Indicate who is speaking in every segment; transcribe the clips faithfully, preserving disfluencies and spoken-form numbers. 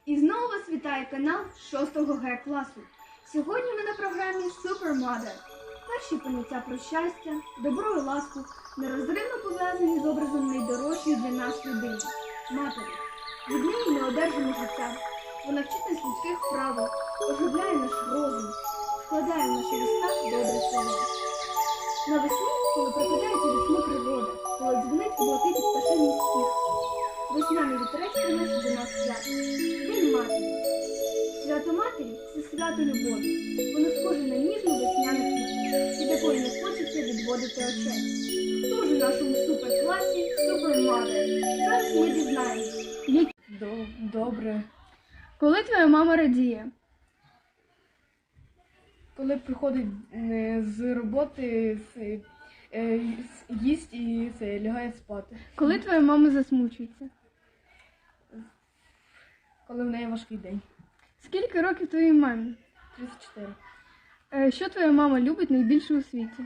Speaker 1: І знову вас вітає канал шостого Г класу. Сьогодні ми на програмі Super Mother. Перші поняття про щастя, добро і ласку нерозривно пов'язані з образом найдорожчої для нас людини – матері. Від неї ми одержимо життя. Вона вчить нас людських правил, оживляє наш розум, вкладає в наші вуста добре слово. Навесні, коли прокидається весну природа, коли дзвонить у блакиті пташиний спів, весняний вітерець приносить до нас свято. День матері. Свято матері – це свято любові. Воно схоже на ніжну весняну квітку, від якої не хочеться відводити очей. Хто ж у нашому супер-класі Super Mother? Зараз ми дізнаємося.
Speaker 2: Добре.
Speaker 1: Коли твоя мама радіє?
Speaker 2: Коли приходить е, з роботи, з, е, їсть і це, лягає спати.
Speaker 1: Коли твоя мама засмучується?
Speaker 2: Коли в неї важкий день.
Speaker 1: Скільки років твоїй мамі?
Speaker 2: тридцять чотири.
Speaker 1: Е, Що твоя мама любить найбільше у світі?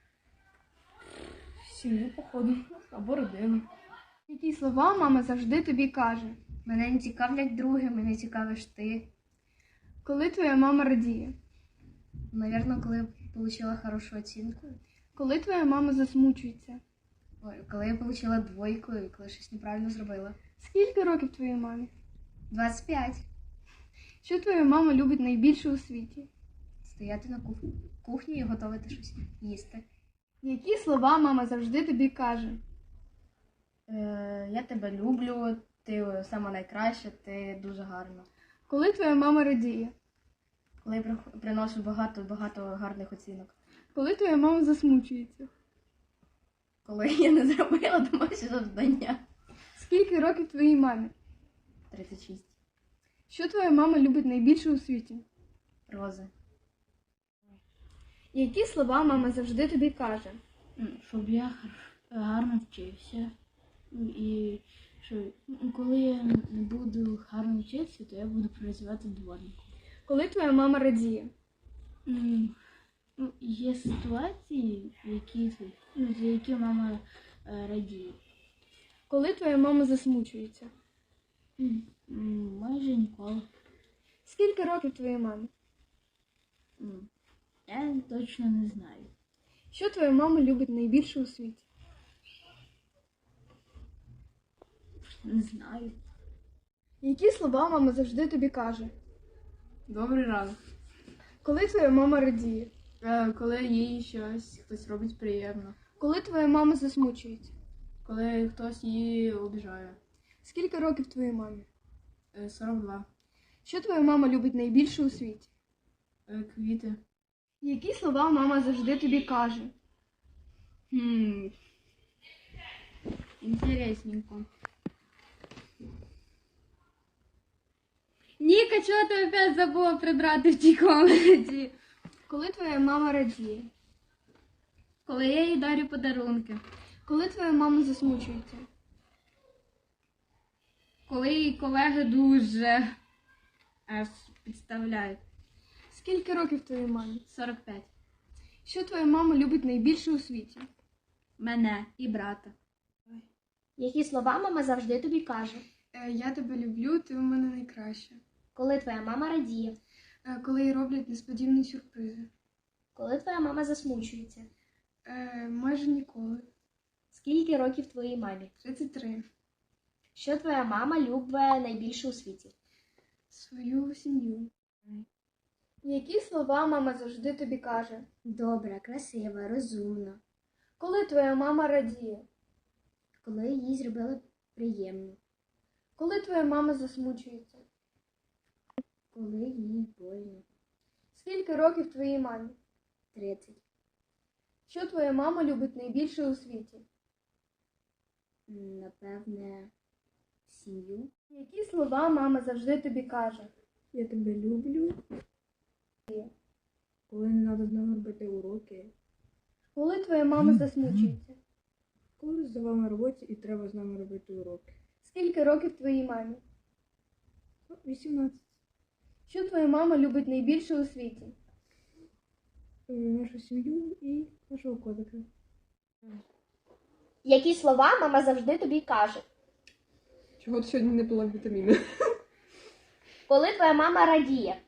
Speaker 2: Сім'ю, походу, або родину.
Speaker 1: Які слова мама завжди тобі каже?
Speaker 3: Мене не цікавлять другі, мене цікавиш ти.
Speaker 1: Коли твоя мама радіє?
Speaker 3: Навірно, коли я отримала хорошу оцінку.
Speaker 1: Коли твоя мама засмучується?
Speaker 3: Ой, коли я отримала двойку і коли щось неправильно зробила.
Speaker 1: Скільки років твоїй мамі?
Speaker 3: двадцять п'ять.
Speaker 1: Що твоя мама любить найбільше у світі?
Speaker 3: Стояти на кух... кухні і готувати щось їсти.
Speaker 1: Які слова мама завжди тобі каже?
Speaker 3: Е, я тебе люблю, ти сама найкраща, ти дуже гарна.
Speaker 1: Коли твоя мама радіє?
Speaker 3: Коли я при- приношу багато-багато гарних оцінок.
Speaker 1: Коли твоя мама засмучується?
Speaker 3: Коли я не зробила домашнє завдання.
Speaker 1: Скільки років твоїй мамі?
Speaker 3: тридцять шість.
Speaker 1: Що твоя мама любить найбільше у світі?
Speaker 3: Рози.
Speaker 1: Які слова мама завжди тобі каже?
Speaker 4: Щоб я гарно вчився. І що коли я не буду гарно вчитися, то я буду працювати дворником.
Speaker 1: Коли твоя мама радіє?
Speaker 4: М, Ну, є ситуації, в які, ну, за які мама е, радіє.
Speaker 1: Коли твоя мама засмучується?
Speaker 4: М, м, Майже ніколи.
Speaker 1: Скільки років твоїй мамі?
Speaker 4: М, Я точно не знаю.
Speaker 1: Що твоя мама любить найбільше у світі?
Speaker 4: Не знаю.
Speaker 1: Які слова мама завжди тобі каже?
Speaker 2: Добрий ранок.
Speaker 1: Коли твоя мама радіє?
Speaker 2: Е, коли їй щось хтось робить приємно.
Speaker 1: Коли твоя мама засмучується?
Speaker 2: Коли хтось її обіжає.
Speaker 1: Скільки років твоїй мамі?
Speaker 2: Е, сорок два.
Speaker 1: Що твоя мама любить найбільше у світі?
Speaker 2: Е, квіти.
Speaker 1: Які слова мама завжди тобі каже?
Speaker 4: Хм. Інтересненько.
Speaker 1: Ніка, чого ти опять забула прибрати в тій комнаті? Коли твоя мама радіє?
Speaker 4: Коли я їй дарю подарунки.
Speaker 1: Коли твоя мама засмучується?
Speaker 4: Коли її колеги дуже аж підставляють.
Speaker 1: Скільки років твоїй мамі?
Speaker 4: сорок п'ять.
Speaker 1: Що твоя мама любить найбільше у світі?
Speaker 4: Мене і брата.
Speaker 3: Які слова мама завжди тобі каже?
Speaker 1: Я тебе люблю, ти у мене найкраща.
Speaker 3: Коли твоя мама радіє?
Speaker 1: Коли їй роблять несподівані сюрпризи.
Speaker 3: Коли твоя мама засмучується?
Speaker 1: Майже ніколи.
Speaker 3: Скільки років твоїй мамі?
Speaker 1: тридцять три.
Speaker 3: Що твоя мама любить найбільше у світі?
Speaker 1: Свою сім'ю. Які слова мама завжди тобі каже?
Speaker 3: Добра, красива, розумна.
Speaker 1: Коли твоя мама радіє?
Speaker 3: Коли їй зробили приємно.
Speaker 1: Коли твоя мама засмучується?
Speaker 3: Коли їй больно.
Speaker 1: Скільки років твоїй мамі?
Speaker 3: тридцять.
Speaker 1: Що твоя мама любить найбільше у світі?
Speaker 3: Напевне, сім'ю.
Speaker 1: Які слова мама завжди тобі каже?
Speaker 2: Я тебе люблю. Коли не треба з нами робити уроки.
Speaker 1: Коли твоя мама засмучується?
Speaker 2: Коли з вами на роботі і треба з нами робити уроки.
Speaker 1: Скільки років твоїй мамі?
Speaker 2: вісімнадцять.
Speaker 1: Що твоя мама любить найбільше у світі?
Speaker 2: Е, Нашу сім'ю і нашого котика.
Speaker 3: Які слова мама завжди тобі каже?
Speaker 2: Чого ти сьогодні не пила вітаміни?
Speaker 5: Коли твоя мама радіє?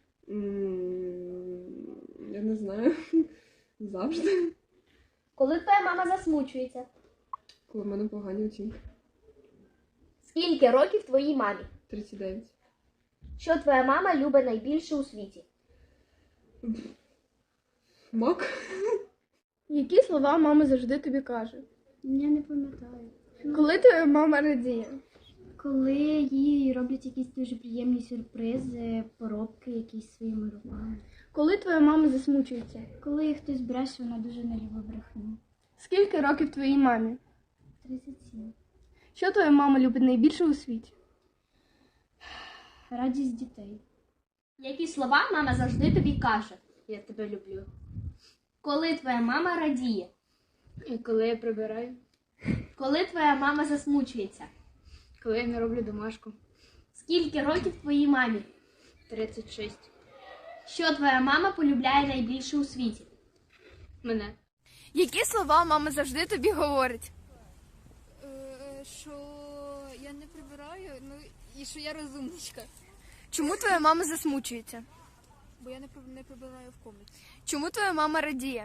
Speaker 6: М, Я не знаю. Завжди.
Speaker 5: Коли твоя мама засмучується?
Speaker 6: Коли в мене погані оцінки.
Speaker 5: Скільки років твоїй мамі?
Speaker 6: тридцять дев'ять.
Speaker 5: Що твоя мама любить найбільше у світі?
Speaker 6: Мак.
Speaker 2: Які слова мама завжди тобі каже?
Speaker 7: Я не пам'ятаю.
Speaker 2: Коли твоя мама радіє?
Speaker 7: Коли їй роблять якісь дуже приємні сюрпризи, поробки якісь своїми руками.
Speaker 2: Коли твоя мама засмучується?
Speaker 7: Коли їй хтось бреше, вона дуже не любить брехню.
Speaker 2: Скільки років твоїй мамі?
Speaker 7: тридцять сім.
Speaker 2: Що твоя мама любить найбільше у світі?
Speaker 7: Радість дітей.
Speaker 5: Які слова мама завжди тобі каже? Я тебе люблю. Коли твоя мама радіє?
Speaker 2: І коли я прибираю?
Speaker 5: Коли твоя мама засмучується?
Speaker 2: Коли я не роблю домашку?
Speaker 5: Скільки років твоїй мамі?
Speaker 2: тридцять шість.
Speaker 5: Що твоя мама полюбляє найбільше у світі?
Speaker 2: Мене. Які слова мама завжди тобі говорить?
Speaker 8: Що я не прибираю, ну і що я розумничка,
Speaker 2: Чому твоя мама засмучується?
Speaker 8: бо я не приб- не прибираю в комнаті.
Speaker 2: Чому твоя мама радіє?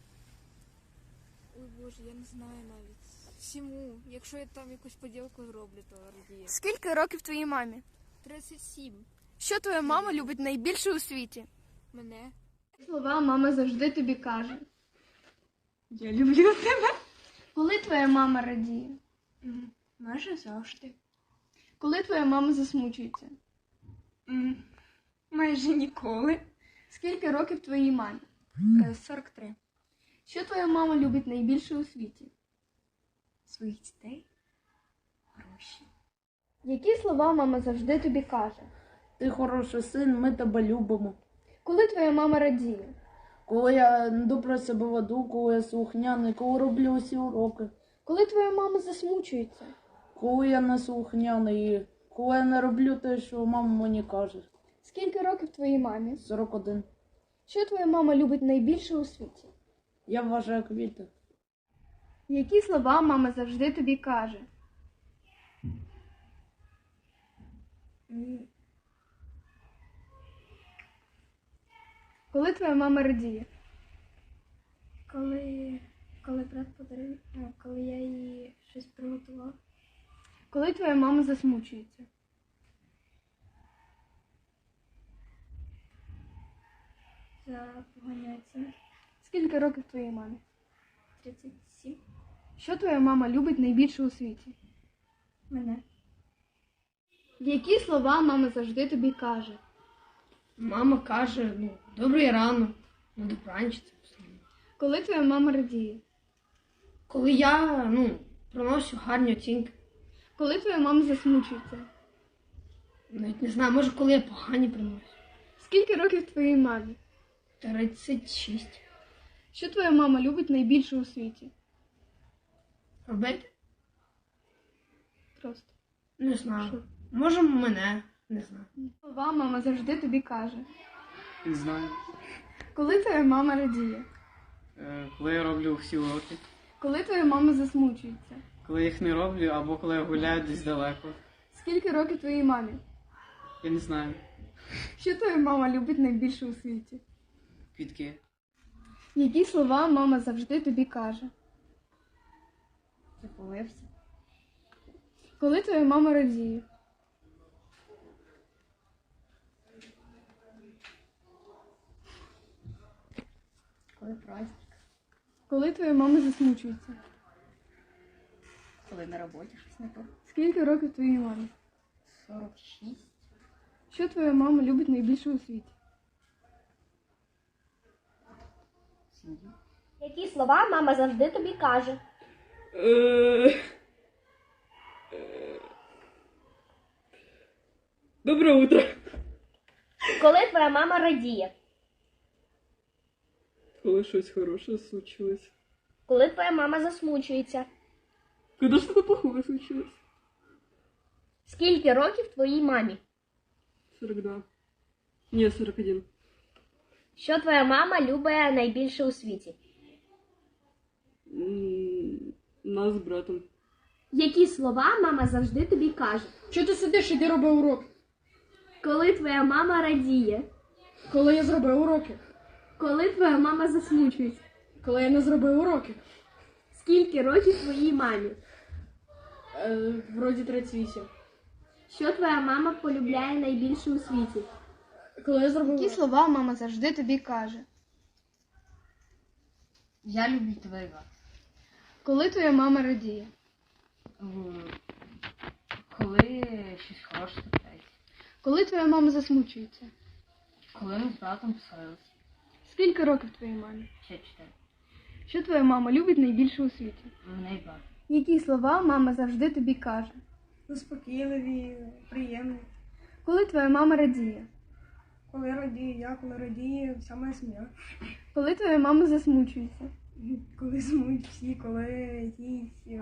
Speaker 8: Ой Боже, я не знаю навіть. Всьому. Якщо я там якусь поділку зроблю, то радіє.
Speaker 2: Скільки років твоїй мамі?
Speaker 8: тридцять сім.
Speaker 2: Що твоя мама любить найбільше у світі?
Speaker 8: Мене.
Speaker 2: Слова мама завжди тобі каже.
Speaker 6: Я люблю тебе.
Speaker 2: Коли твоя мама радіє?
Speaker 6: Майже завжди.
Speaker 2: Коли твоя мама засмучується?
Speaker 6: Майже ніколи.
Speaker 2: Скільки років твоїй мамі?
Speaker 6: сорок три.
Speaker 2: Що твоя мама любить найбільше у світі?
Speaker 6: Своїх дітей. Гроші.
Speaker 2: Які слова мама завжди тобі каже?
Speaker 4: Ти хороший син, ми тебе любимо.
Speaker 2: Коли твоя мама радіє?
Speaker 4: Коли я добре себе веду, коли я слухняний, коли роблю усі уроки,
Speaker 2: Коли твоя мама засмучується?
Speaker 4: коли я не слухняний, і коли я не роблю те, що мама мені каже.
Speaker 2: Скільки років твоїй мамі?
Speaker 4: сорок один.
Speaker 2: Що твоя мама любить найбільше у світі?
Speaker 4: Я вважаю квіти.
Speaker 2: Які слова мама завжди тобі каже? Коли твоя мама радіє?
Speaker 7: Коли, коли брат подарив, а, коли я їй щось приготував.
Speaker 2: Коли твоя мама засмучується?
Speaker 7: За погані оцінки.
Speaker 2: Скільки років твоїй мамі?
Speaker 7: тридцять сім.
Speaker 2: Що твоя мама любить найбільше у світі?
Speaker 7: Мене.
Speaker 2: Які слова мама завжди тобі каже?
Speaker 9: Мама каже, ну, добрий ранок, на добраніч. це все.
Speaker 2: Коли твоя мама радіє?
Speaker 9: Коли я, ну, приношу гарні оцінки,
Speaker 2: Коли твоя мама засмучується?
Speaker 9: навіть не знаю, може, коли я погані приношу.
Speaker 2: Скільки років твоїй мамі?
Speaker 9: тридцять шість.
Speaker 2: Що твоя мама любить найбільше у світі?
Speaker 9: Робити?
Speaker 2: Просто.
Speaker 9: Не знаю. Може, мене, не знаю.
Speaker 2: Слова мама завжди тобі каже.
Speaker 10: Не знаю.
Speaker 2: Коли твоя мама радіє?
Speaker 10: Е, Коли я роблю всі уроки,
Speaker 2: Коли твоя мама засмучується?
Speaker 10: коли їх не роблю, або коли я гуляю десь далеко.
Speaker 2: Скільки років твоїй мамі?
Speaker 10: Я не знаю.
Speaker 2: Що твоя мама любить найбільше у світі?
Speaker 10: Квітки.
Speaker 2: Які слова мама завжди тобі каже?
Speaker 3: Запалився.
Speaker 2: Коли твоя мама радіє?
Speaker 3: Коли праздник.
Speaker 2: Коли твоя мама засмучується?
Speaker 3: Коли на роботі щось не то.
Speaker 2: Скільки років твоїй мамі?
Speaker 3: сорок шість.
Speaker 2: Що твоя мама любить найбільше у світі?
Speaker 3: Сім'ю.
Speaker 5: Які слова мама завжди тобі каже?
Speaker 6: Доброе утро.
Speaker 5: Коли твоя мама радіє?
Speaker 6: Коли щось хороше случилось.
Speaker 5: Коли твоя мама засмучується?
Speaker 6: Когда что-то плохое случилось.
Speaker 5: Скільки років твоїй мамі?
Speaker 6: сорок два. Не, сорок один.
Speaker 5: Що твоя мама любить найбільше у світі?
Speaker 6: М, Нас з братом.
Speaker 5: Які слова мама завжди тобі каже?
Speaker 2: Що ти сидиш, іди роби урок?
Speaker 5: Коли твоя мама радіє?
Speaker 2: Коли я зробив уроки.
Speaker 5: Коли твоя мама засмучується?
Speaker 2: Коли я не зробив уроки.
Speaker 5: Скільки років твоїй мамі?
Speaker 2: Е, вроді тридцять вісім.
Speaker 5: Що твоя мама полюбляє найбільше у світі?
Speaker 2: Коли я зробив
Speaker 1: Які
Speaker 2: уроки.
Speaker 1: слова мама завжди тобі каже?
Speaker 3: Я люблю тебе, Іван.
Speaker 1: Коли твоя мама радіє?
Speaker 3: Коли щось хороше трапляється.
Speaker 1: Коли твоя мама засмучується?
Speaker 3: Коли ми з братом посварилися.
Speaker 1: Скільки років твоїй мамі?
Speaker 3: Ще чотири.
Speaker 1: Що твоя мама любить найбільше у світі?
Speaker 3: Мене і брат.
Speaker 1: Які слова мама завжди тобі каже?
Speaker 2: Заспокійливі, приємні.
Speaker 1: Коли твоя мама радіє?
Speaker 2: Коли радію я, коли радіє вся моя сім'я.
Speaker 1: Коли твоя мама засмучується?
Speaker 2: Коли сумують всі, коли їй, е,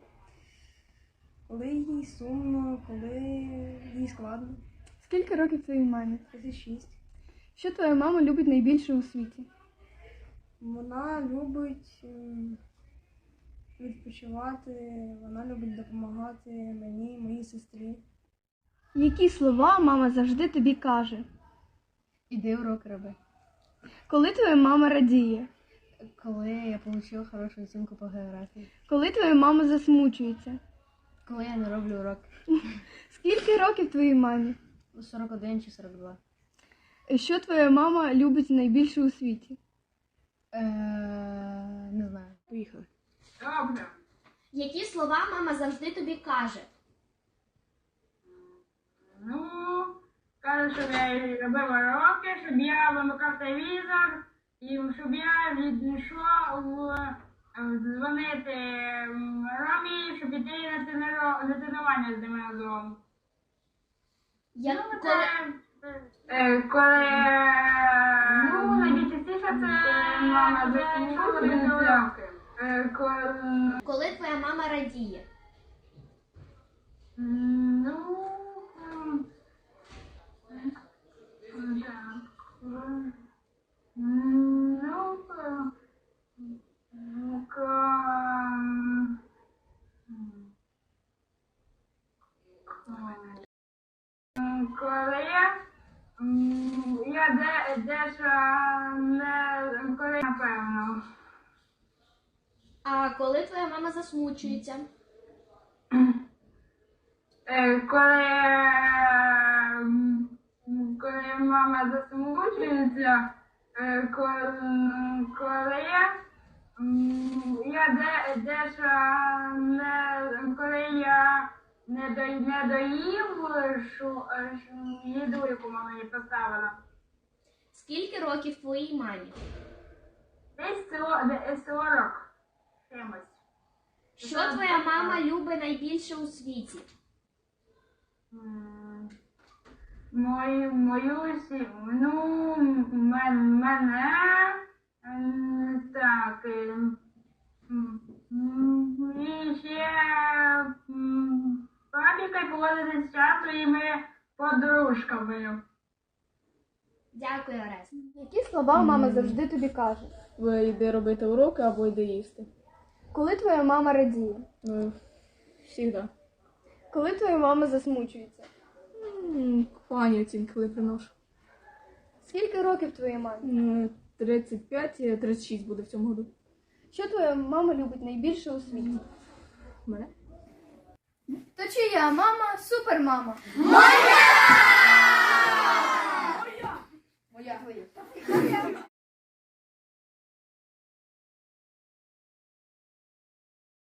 Speaker 2: коли їй сумно, коли їй складно.
Speaker 1: Скільки років твоїй мамі?
Speaker 2: тридцять шість.
Speaker 1: Що твоя мама любить найбільше у світі?
Speaker 2: Вона любить е, відпочивати, вона любить допомагати мені, моїй сестрі.
Speaker 1: Які слова мама завжди тобі каже?
Speaker 3: Іди урок роби.
Speaker 1: Коли твоя мама радіє?
Speaker 3: Коли я отримала хорошу оцінку по географії.
Speaker 1: Коли твоя мама засмучується?
Speaker 3: Коли я не роблю урок.
Speaker 1: Скільки років твоїй мамі?
Speaker 3: сорок один чи сорок два.
Speaker 1: Що твоя мама любить найбільше у світі?
Speaker 3: Е, не знаю.
Speaker 2: Поїхали.
Speaker 5: Які слова мама завжди тобі каже?
Speaker 11: Ну, каже, щоб я робив уроки, щоб я вимикав телевізор, і щоб я відійшов е, дзвонити Ромі, щоб іти на, тренро... на тренування з ними разом.
Speaker 5: Я...
Speaker 11: Ну,
Speaker 5: Коли...
Speaker 11: це, е, коли, ну, найчастіше це мама засмучується. Е, коли,
Speaker 5: Коли твоя мама радіє?
Speaker 11: м, ну, м, так, м, ну, ка- ну, ка- м, коли я, м, я де, дещо не, коли напевно.
Speaker 5: А коли твоя мама засмучується?
Speaker 11: Е, Коли, м, коли мама засмучується, е, коли, коли я, м, я де, дещо не, коли я не, до, не доїв шу, шу, їду, яку мама мені поставила.
Speaker 5: Скільки років твоїй мамі?
Speaker 11: Десь со- де- сорок чимось.
Speaker 5: Що твоя мама любить найбільше у світі?
Speaker 11: М, Мою, мою сім'ю, ну, мен, мене, м, так, е, м, м, і ще м, папіка й поводити з часу і ми подружками.
Speaker 5: Дякую, Орес.
Speaker 1: Які слова мама завжди тобі каже?
Speaker 2: Ви йди робити уроки або йди їсти.
Speaker 1: Коли твоя мама радіє?
Speaker 2: Ну, завжди.
Speaker 1: Коли твоя мама засмучується?
Speaker 2: Погані оцінки, коли приношу.
Speaker 1: Скільки років твоїй мамі?
Speaker 2: М, тридцять п'ять, тридцять шість буде в цьому году.
Speaker 1: Що твоя мама любить найбільше у світі?
Speaker 2: Мене?
Speaker 1: То чия мама супермама?
Speaker 5: Моя!